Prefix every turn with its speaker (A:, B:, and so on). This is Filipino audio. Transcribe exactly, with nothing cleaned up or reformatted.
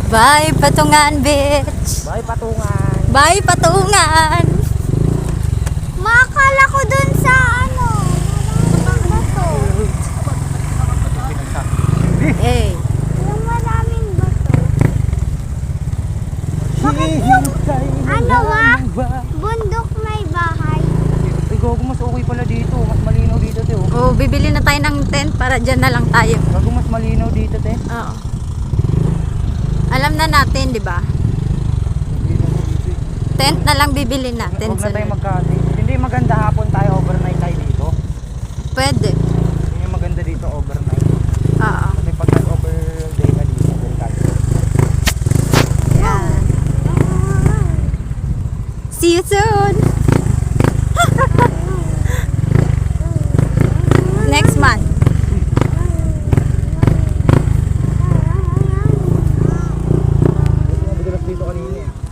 A: Bye, Patungan Beach.
B: Bye, Patungan.
A: Bye, Patungan.
C: Makakala ko dun sa ano. Bato.
A: Eh,
C: Yung maraming bato.
B: Hihintay
C: Ano ba?
B: ba?
C: Bundok may bahay.
B: Ay, gago, mas okay pala dito. Mas malinaw dito, te. Oh.
A: oh, bibili na tayo ng tent para dyan na lang tayo.
B: Gago, mas malinaw dito, te.
A: Oo. Alam na natin, di ba? Tent na lang bibili natin.
B: Huwag na tayo
A: sunod.
B: magkati. Hindi maganda hapon tayo, overnight tayo dito.
A: Pwede.
B: Yun yung maganda dito, overnight.
A: Oo.
B: Kasi pag nag-overday ka dito, delikado.
A: Yan. See you soon. Next month.
B: Madalas dito kanina eh.